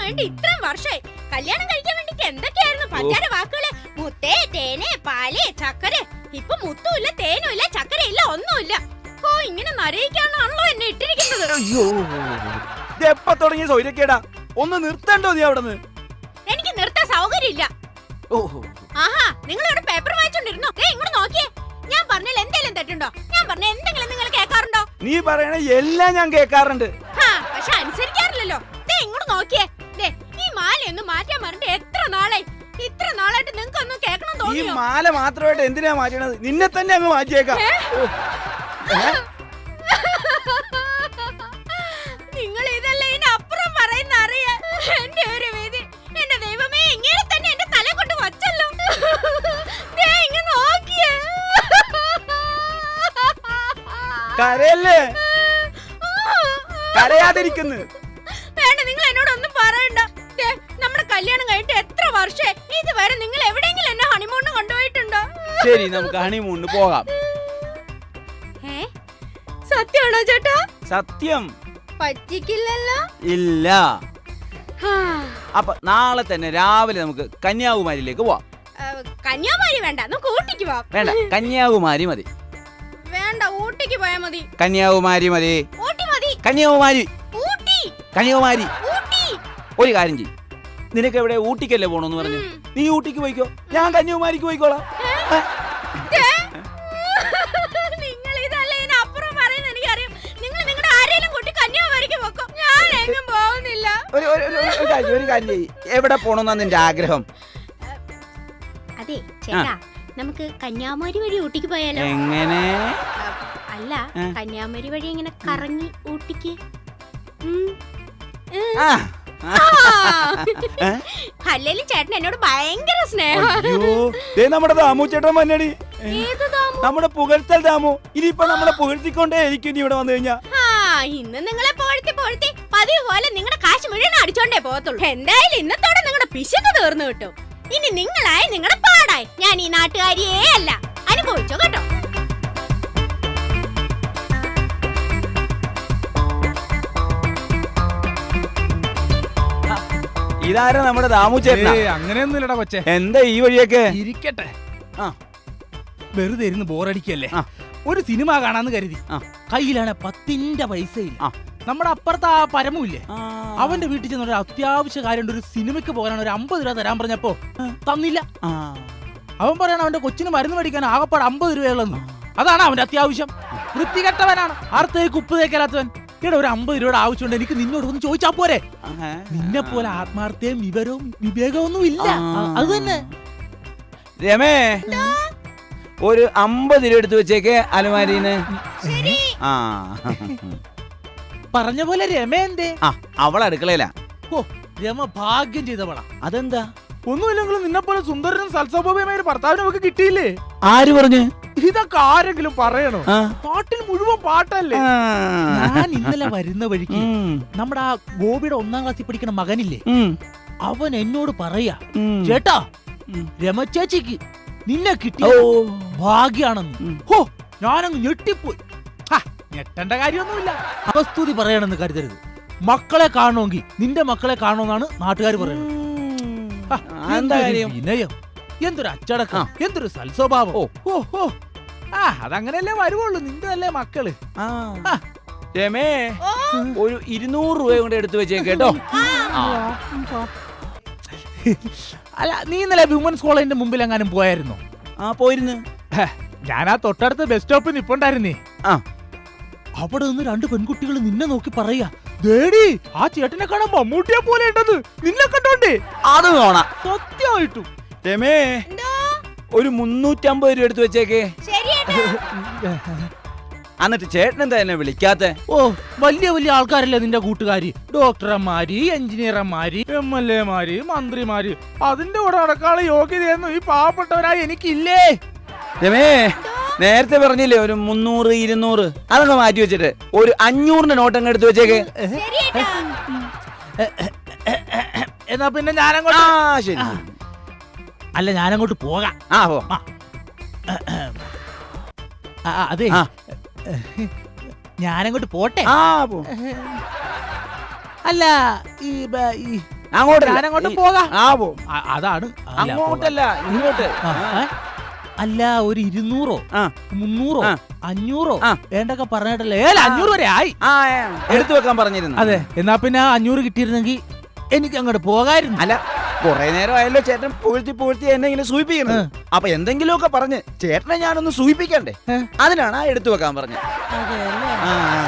വേണ്ടി ഇത്രയും വർഷമായി. കല്യാണം കഴിക്കാൻ വേണ്ടിട്ട് എന്തൊക്കെയായിരുന്നു പഞ്ചാര വാക്കുകള്. മുത്തേ, തേനെ, പാല്, ചക്കര. ഇപ്പൊ മുത്തുമില്ല, തേനും ഇല്ല, ചക്കരയില്ല, ഒന്നുമില്ല. ഓ, ഇങ്ങനെ നരയിക്കാണല്ലോ എന്നെ ഇട്ടിരിക്കുന്നത്. അയ്യോ, എപ്പ തുടങ്ങിയ സൗകര്യക്കേടാ? ഒന്ന് നിർത്തണ്ടോ നീ അവിടെ നിന്ന്? എനിക്ക് നിർത്താൻ സൗകര്യമില്ല. ആഹാ, നിങ്ങൾ ഇവിടെ പേപ്പർ വായിച്ചോണ്ടിരുന്നോ? ഇങ്ങോട്ട് നോക്കിയേ. ഞാൻ പറഞ്ഞാൽ എന്തെങ്കിലും തെറ്റുണ്ടോ? ഞാൻ പറഞ്ഞ എന്തെങ്കിലും നിങ്ങൾ കേൾക്കാറുണ്ടോ? നീ പറയണ എല്ലാം ഞാൻ കേൾക്കാറുണ്ട്. പക്ഷെ അനുസരിക്കാറില്ലല്ലോ. ഇങ്ങോട്ട് നോക്കിയേ. ഈ മാലയൊന്നും മാറ്റാൻ പറഞ്ഞിട്ട് എത്ര നാളായി. ഇത്ര നാളായിട്ട് നിങ്ങൾക്ക് ഒന്നും കേൾക്കണം ഈ തോന്നിയോ? മാല മാത്രമായിട്ട് എന്തിനാ മാറ്റണത്? നിന്നെ തന്നെ അങ്ങ് മാറ്റിയേക്കാം. നിങ്ങൾ ഇതല്ല ഇതിനപ്പുറം പറയുന്ന അറിയാ. എന്റെ ഒരു വിധി. എന്റെ ദൈവമേ, ഇങ്ങനെ തന്നെ എന്റെ തല കൊണ്ട് വച്ചല്ലോ. ഇങ്ങ് നോക്കിയേ. കരയല്ലേ? കരയാതിരിക്കുന്നു. വേണ്ട, നിങ്ങൾ എന്നോടൊന്നും പറയണ്ട. നമ്മുടെ കല്യാണം കഴിഞ്ഞിട്ട് എത്ര വർഷമായി. ഇതുവരെ നിങ്ങൾ എവിടെയെങ്കിലും എന്നെ ഹണിമൂണിന് കൊണ്ടുപോയിട്ടുണ്ടോ? ശരി, നമുക്ക് ഹണിമൂണിന് പോകാം. സത്യമാണോ ചേട്ടാ? സത്യം. പറ്റിക്കില്ലല്ലോ. ഇല്ല. അപ്പൊ നാളെ തന്നെ രാവിലെ നമുക്ക് കന്യാകുമാരിയിലേക്ക് പോവാം. കന്യാകുമാരി വേണ്ട, നമുക്ക് ഊട്ടിക്ക് പോവാം. വേണ്ട, കന്യാകുമാരി മതി. വേണ്ട, ഊട്ടിക്ക് പോയാ മതി. കന്യാകുമാരി മതി. ഊട്ടി മതി. കന്യാകുമാരി. ഊട്ടി. കന്യാകുമാരി. ഊട്ടി. ഒരു കാര്യം ചെയ്യും, നിനക്ക് എവിടെ ഊട്ടിക്കല്ലേ പോണോന്ന് പറഞ്ഞു? നീ ഊട്ടിക്ക് പോയിക്കോ, ഞാൻ കന്യാകുമാരിക്ക് പോയിക്കോളാം. നിങ്ങൾ ഇതല്ല ഇതിനപ്പുറം പറയുന്ന എനിക്കറിയാം. നിങ്ങൾ നിങ്ങളുടെ ആരെയും കൂട്ടി കന്യാകുമാരിക്ക് പോക്കോ, ഞാൻ എങ്ങും പോകുന്നില്ല. ഒരു കാര്യം ചെയ്യ്, എവിടെ പോണോന്നാ നിന്റെ ആഗ്രഹം? അതെ ചേട്ടാ, നമുക്ക് കന്യാകുമാരി വഴി ഊട്ടിക്ക് പോയാലോ? എങ്ങനെ? അല്ല, കന്യാകുമാരി വഴി ഇങ്ങനെ കറങ്ങി ഊട്ടിക്ക്. അല്ലേലും ചേട്ടൻ എന്നോട് ഭയങ്കര സ്നേഹം. നമ്മുടെ ദാമു ചേട്ടൻ വന്നടി. നമ്മുടെ പുകഴ്ത്തൽ ദാമു. ഇനിയിപ്പൊ നമ്മളെ പുകഴ്ത്തിക്കൊണ്ടേ ഇരിക്കും നീ ഇവിടെ വന്നു കഴിഞ്ഞാ. ഇന്ന് നിങ്ങളെ പോഴ്ത്തി പോഴ്ത്തി പതിവ് പോലെ നിങ്ങളുടെ കാശ് മുഴുവൻ അടിച്ചോണ്ടേ പോകത്തുള്ളൂ. എന്തായാലും ഇന്നത്തോടെ നിങ്ങളുടെ പിശുക്ക് തീർന്നു കിട്ടും. ഇനി നിങ്ങളായി നിങ്ങളുടെ പാടായി. ഞാൻ ഈ നാട്ടുകാരിയേ അല്ല. അനുഭവിച്ചോ കേട്ടോ. ഇതാരാ നമ്മുടെ ദാമു ചേട്ടൻ? അങ്ങനെയൊന്നുമില്ലടാ കൊച്ചേ. എന്താ ഈ വഴിയൊക്കെ? ഇരിക്കട്ടെ. വെറുതെ ഇരുന്ന് ബോറടിക്കല്ലേ, ഒരു സിനിമ കാണാന്ന് കരുതി. കയ്യിലാണ് 10 പൈസയില്ല. നമ്മുടെ അപ്പുറത്ത് ആ പരമുല്ലേ, അവന്റെ വീട്ടിൽ ചെന്ന ഒരു അത്യാവശ്യ കാര്യം, ഒരു സിനിമയ്ക്ക് പോകാനാണ്. ഒരു 50 രൂപ തരാൻ പറഞ്ഞപ്പോ തന്നില്ല. അവൻ പറയണ അവന്റെ കൊച്ചിന് മരുന്ന് മേടിക്കാൻ ആകപ്പാട് 50 രൂപയുള്ളെന്ന്. അതാണ് അവന്റെ അത്യാവശ്യം. വൃത്തികെട്ടവനാണ്, ആർത്തേക്ക് ഉപ്പ് തേക്കലാത്തവൻ. ഇവിടെ ഒരു 50 രൂപയുടെ ആവശ്യമുണ്ട്, എനിക്ക് നിന്നോട് ഒന്ന് ചോദിച്ചാ പോരെ? നിന്നെ പോലെ ആത്മാർത്ഥയും വിവരവും വിവേകമൊന്നും ഇല്ല. അത് തന്നെ. രമേ, ഒരു 50 രൂപ എടുത്ത് വെച്ചേക്ക് അലമാരിന്ന്. പറഞ്ഞ പോലെ രമ എന്തേ? അവൾ അടുക്കളയില. ഓ, രമ ഭാഗ്യം ചെയ്തവളാ. അതെന്താ? ഒന്നുമില്ലെങ്കിലും നിന്നെ പോലെ സുന്ദരനും സൽസ്വഭാവമായ ഭർത്താവിനും ഒക്കെ കിട്ടിയില്ലേ? ആര് പറഞ്ഞു? ഇതൊക്കെ ആരെങ്കിലും പറയണോ? പാട്ടിൽ മുഴുവൻ പാട്ടല്ലേ. ഞാൻ ഇന്നലെ വരുന്ന വഴിക്ക് നമ്മുടെ ആ ഗോപിയുടെ 1ാം ക്ലാസ്സിൽ പഠിക്കുന്ന മകനില്ലേ, അവൻ എന്നോട് പറയാ, ചേട്ടാ രമ ചേച്ചിക്ക് നിന്നെ കിട്ടിയ ഭാഗ്യാണെന്ന്. ഹോ, ഞാനങ്ങ് ഞെട്ടിപ്പോയി. ഞെട്ടേണ്ട കാര്യമൊന്നുമില്ല. അവസ്തുതി പറയണമെന്ന് കരുതരുത്. മക്കളെ കാണണമെങ്കിൽ നിന്റെ മക്കളെ കാണണമെന്നാണ് നാട്ടുകാർ പറയുന്നത്. വിനയം, എന്തൊരു അച്ചടക്കം, എന്തൊരു സൽസ്വഭാവം. അതങ്ങനെയല്ലേ വരുവുള്ളൂ. നിന്റെ അല്ലേ മക്കള്. രമേ, ഒരു 200 രൂപ കൊണ്ട് എടുത്തു വെച്ചേക്ക് കേട്ടോ. അല്ല, നീ ഇന്നലെ വിമൻസ് കോളേജിന്റെ മുമ്പിൽ എങ്ങാനും പോയായിരുന്നോ? പോയിരുന്നു. ഞാൻ ആ തൊട്ടടുത്ത ബസ് സ്റ്റോപ്പിൽ നിപ്പുണ്ടായിരുന്നേ. അവിടെ നിന്ന് 2 പെൺകുട്ടികൾ നിന്നെ നോക്കി പറയാ, ദേടി ആ ചേട്ടനെ കാണാൻ മമ്മൂട്ടിയെ പോലെ ഉണ്ടെന്ന്. നിന്നെ കണ്ടോണ്ടേ? അത് നോണ. സത്യമായിട്ടും. രമേ, ഒരു 350 രൂപ എടുത്ത് വെച്ചേക്ക്. എന്നിട്ട് ചേട്ടൻ എന്താ എന്നെ വിളിക്കാത്തെ? ഓ, വലിയ വലിയ ആൾക്കാരല്ലേ നിന്റെ കൂട്ടുകാരി. ഡോക്ടർമാര്, എഞ്ചിനീയർമാര്, MLA മാര്, മന്ത്രിമാര്. അതിന്റെ കൂടെ നടക്കാനുള്ള യോഗ്യതയൊന്നും ഈ പാവപ്പെട്ടവരായി എനിക്കില്ലേ. രമേ, നേരത്തെ പറഞ്ഞില്ലേ ഒരു 300 200, അതൊക്കെ മാറ്റി വെച്ചിട്ട് ഒരു 500ന്റെ നോട്ടങ്ങ് എടുത്ത് വെച്ചേക്ക്. എന്നാ പിന്നെ ഞാനങ്ങോട്ട്. ശരി. അല്ല, ഞാനങ്ങോട്ട് പോകാം. അതെ, ഞാനങ്ങോട്ട് പോട്ടെ. പോ. അല്ല, ഈ ഞാനങ്ങോട്ട് പോകാം. ആവോ അതാണ് അല്ല, അങ്ങോട്ടല്ല ഇങ്ങോട്ട്. ആ, ഏ? അല്ല ഒരു 200 ആ. 300 ആ. 500 ആ. വേണ്ടൊക്കെ പറഞ്ഞിട്ടല്ലേ 500 വരെ ആയി. എടുത്തു വെക്കാൻ പറഞ്ഞിരുന്നു. അതെ, എന്നാ പിന്നെ 500 കിട്ടിയിരുന്നെങ്കിൽ എനിക്ക് അങ്ങോട്ട് പോകായിരുന്നു. അല്ല കൊറേ നേരം ആയല്ലോ ചേട്ടൻ പുകഴ്ത്തി എന്നെ ഇങ്ങനെ സൂചിപ്പിക്കുന്നത്. അപ്പൊ എന്തെങ്കിലുമൊക്കെ പറഞ്ഞ് ചേട്ടനെ ഞാനൊന്ന് സൂചിപ്പിക്കണ്ടേ? അതിനാണ് എടുത്തു വെക്കാൻ പറഞ്ഞത്. അതെ അല്ലേ? ആ